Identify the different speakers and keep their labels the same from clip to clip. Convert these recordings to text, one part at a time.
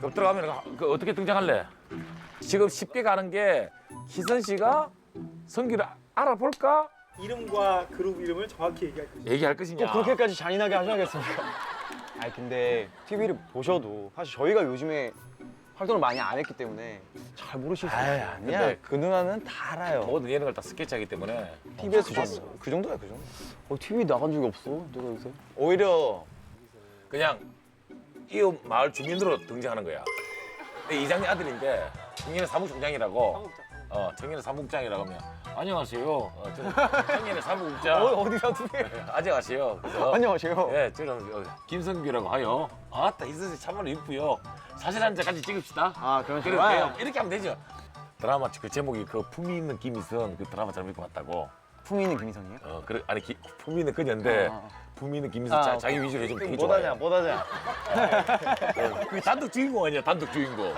Speaker 1: 그럼 들어가면 그 어떻게 등장할래? 지금 쉽게 가는 게 희선 씨가 성규를 알아볼까?
Speaker 2: 이름과 그룹 이름을 정확히 얘기할 거예요.
Speaker 1: 얘기할 것이냐?
Speaker 3: 꼭 그렇게까지 잔인하게 하셔야겠습니까? 아니 근데 TV를 보셔도 사실 저희가 요즘에 활동을 많이 안 했기 때문에 잘 모르실 수 있어요.
Speaker 4: 아니야.
Speaker 1: 근데
Speaker 4: 그 누나는 다 알아요.
Speaker 1: 모든 예능을 다 스케치하기 때문에
Speaker 3: TV에서 봤어.
Speaker 4: 그 정도야, 그 정도.
Speaker 3: TV 나간 적이 없어. 내가 요새.
Speaker 4: 오히려
Speaker 1: 그냥 이 마을 주민으로 등장하는 거야. 내 이장님 아들인데 청년의 사무총장이라고. 청년의 사무국장이라고 하면 안녕하세요. 저는 청년의 사무국장.
Speaker 3: 어디서 TV?
Speaker 1: 안녕하세요. 그래서
Speaker 3: 안녕하세요.
Speaker 1: 예, 저는 김성규라고 하여. 아따 희선 씨 참말로 이쁘요. 사진 한 장 같이 찍읍시다.
Speaker 3: 아 그런
Speaker 1: 그래도
Speaker 3: 식으로.
Speaker 1: 돼요. 이렇게 하면 되죠. 드라마 그 제목이 그 품위 있는 김희선 그 드라마 잘 믿고 봤다고.
Speaker 3: 품위 있는 김희선이에요?
Speaker 1: 그래 아니 품위 있는 그녀인데 품위 있는 김희선 자기 위주로 해주면 되게 좋아해.
Speaker 4: 못하냐.
Speaker 1: 그게 단독 주인공 아니야 단독 주인공.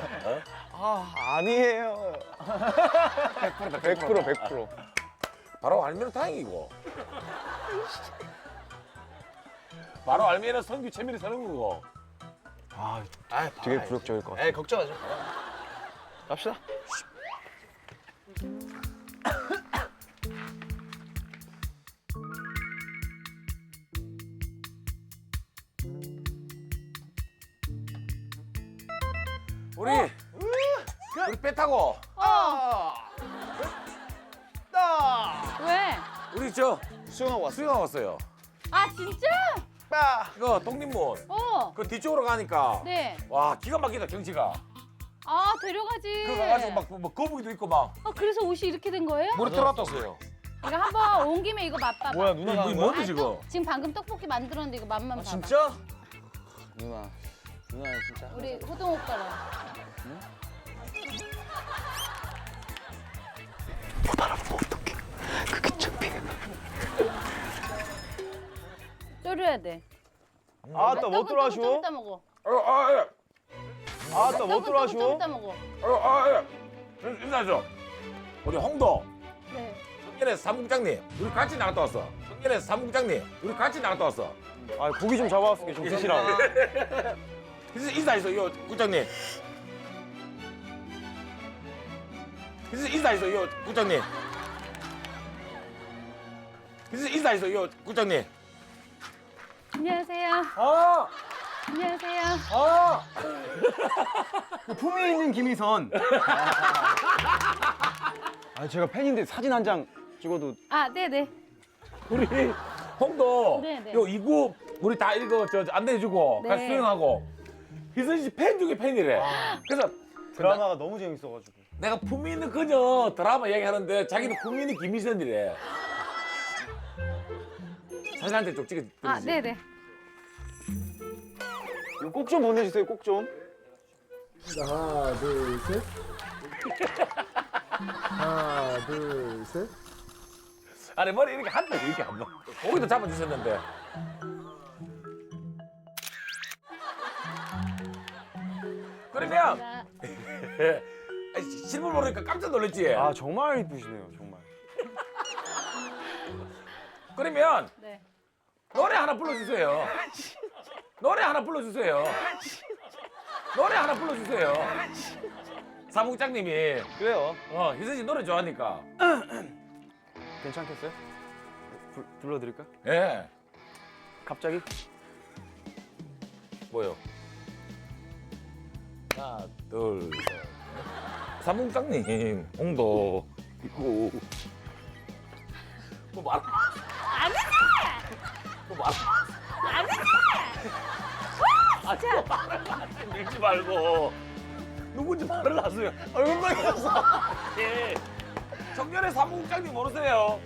Speaker 3: 아니에요.
Speaker 1: 100%다
Speaker 3: 100%.
Speaker 1: 바로 알면 다행이고. 바로 알면은 성규 채밀이 사는 거고.
Speaker 3: 아 되게 굴욕적일 것 같아.
Speaker 4: 에이, 걱정하지 마. 갑시다.
Speaker 1: 우리 배 타고
Speaker 5: 왜?
Speaker 1: 우리 저
Speaker 3: 수영하고 왔어.
Speaker 1: 수영하고 왔어요.
Speaker 5: 아 진짜?
Speaker 1: 이거 독립문 그 뒤쪽으로 가니까
Speaker 5: 네.
Speaker 1: 와 기가 막히다 경치가.
Speaker 5: 아 데려가지.
Speaker 1: 그거 가가지고 막 뭐 거북이도 있고 막
Speaker 5: 아 그래서 옷이 이렇게 된 거예요?
Speaker 1: 물에 들어갔다 왔어요.
Speaker 5: 이거 한번 온 김에 이거 맛봐봐.
Speaker 3: 뭐야 누나가
Speaker 1: 이게
Speaker 3: 하는
Speaker 1: 뭔데
Speaker 3: 거야?
Speaker 1: 지금?
Speaker 5: 지금 방금 떡볶이 만들었는데 이거 맛만 봐봐.
Speaker 3: 진짜? 누나 진짜.
Speaker 5: 우리 호동 오빠랑.
Speaker 3: 못 알아보면 어떡해. 그게 창피해.
Speaker 5: 졸여야 돼.
Speaker 3: 아따 못 들어와
Speaker 5: 좀
Speaker 3: 쉬워?
Speaker 5: 이따 먹어.
Speaker 3: 아따 못 들어와
Speaker 5: 좀
Speaker 3: 쉬워?
Speaker 5: 이따 먹어.
Speaker 1: 인사하죠. 우리 홍도
Speaker 5: 네.
Speaker 1: 청년의 사무국장님 우리 같이 나갔다 왔어. 청년의 사무국장님 우리 같이 나갔다 왔어.
Speaker 3: 아 고기 좀 잡아왔을게 좀 드시라고.
Speaker 1: 인사했어 요 국장님. 인사했어 요 국장님. 인사했어 요 국장님.
Speaker 5: 안녕하세요. 안녕하세요.
Speaker 3: 품위 있는 김희선. 아 제가 팬인데 사진 한 장 찍어도.
Speaker 5: 아 네네.
Speaker 1: 우리 홍도
Speaker 5: 네네.
Speaker 1: 요 이구 우리 다 이거 저 안내해주고
Speaker 5: 네.
Speaker 1: 같이 수영하고 희선 씨 팬 중에 팬이래. 그래서
Speaker 3: 드라마가 너무 재밌어가지고.
Speaker 1: 내가 품위 있는 그녀 드라마 얘기하는데 자기는 품위 있는 김희선이래. 사진 한 장 좀 찍어주지.
Speaker 5: 아 네네.
Speaker 3: 꼭 좀 보내주세요 꼭 좀.
Speaker 2: 하나, 둘, 셋. 하나, 둘, 셋.
Speaker 1: 아니 머리 이렇게 한다 이렇게 한 번. 고기도 잡아주셨는데. 그러면 실물 모르니까 깜짝 놀랐지.
Speaker 3: 아 정말 이쁘시네요 정말.
Speaker 1: 그러면
Speaker 5: 네.
Speaker 1: 노래 하나 불러주세요. 노래 하나 불러주세요. 노래 하나 불러주세요. 사무국장님이
Speaker 3: 그래요.
Speaker 1: 희선 씨 노래 좋아하니까.
Speaker 3: 괜찮겠어요? 불러드릴까?
Speaker 1: 예.
Speaker 3: 갑자기?
Speaker 1: 뭐요? 하나, 둘, 셋. 사무국장님, 홍도 있고. 뭐 말?
Speaker 5: 아니지.
Speaker 1: 뭐 말?
Speaker 5: 아니지.
Speaker 1: 아니, 말을 하지 밀지 말고. 누군지 말을 하세요. 얼굴만 겼어. 예. 청년의 사무국장님 모르세요?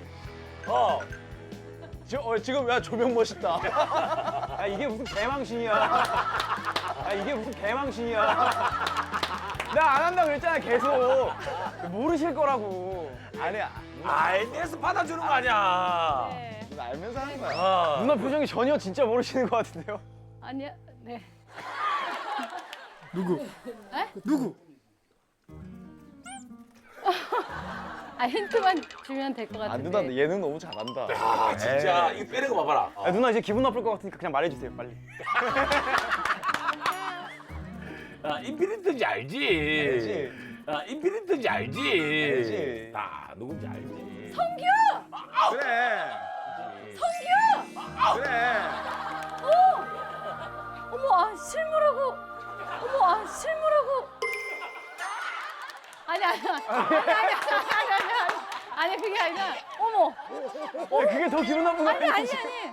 Speaker 3: 지금 야 조명 멋있다. 야 이게 무슨 개망신이야. 야 이게 무슨 개망신이야. 나 안 한다 그랬잖아 계속. 모르실 거라고. 아니야.
Speaker 1: 알면서 받아주는 거 아니야.
Speaker 5: 네.
Speaker 3: 누나 알면서 하는 거야.
Speaker 1: 어.
Speaker 3: 누나 표정이 전혀 진짜 모르시는 것 같은데요.
Speaker 5: 아니야. 네.
Speaker 2: 누구?
Speaker 5: 에?
Speaker 2: 누구?
Speaker 5: 아 힌트만 주면 될 것
Speaker 3: 아
Speaker 5: 같은데.
Speaker 3: 누나 예능 너무 잘한다.
Speaker 1: 아, 진짜 이거 빼는 거 봐봐라.
Speaker 3: 아, 누나 이제 기분 나쁠 것 같으니까 그냥 말해주세요 빨리.
Speaker 1: 인피니트인지 알지?
Speaker 3: 알지.
Speaker 1: 인피니트인지 알지?
Speaker 3: 알지.
Speaker 1: 나 누군지 알지?
Speaker 3: 그래. 그래.
Speaker 5: 어머, 아, 실물하고. 어머, 아, 실물하고. 아니, 그게 아니라. 어머,
Speaker 3: 야, 그게 더 기분 나쁜 거
Speaker 5: 아니.
Speaker 3: 아니야?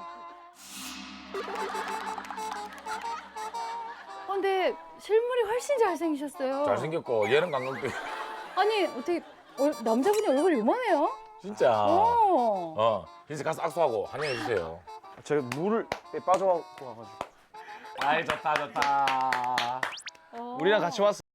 Speaker 5: 근데 실물이 훨씬 잘생기셨어요.
Speaker 1: 잘생겼고 얘는 강강도
Speaker 5: 아니, 어떻게 남자분이 얼굴이 요만해요?
Speaker 1: 진짜.
Speaker 5: 어.
Speaker 1: 그래서 가서 악수하고 환영해 주세요.
Speaker 3: 제가 물을 빠져갖고 와가지고.
Speaker 1: 아이 좋다.
Speaker 5: 어.
Speaker 3: 우리랑 같이 왔어.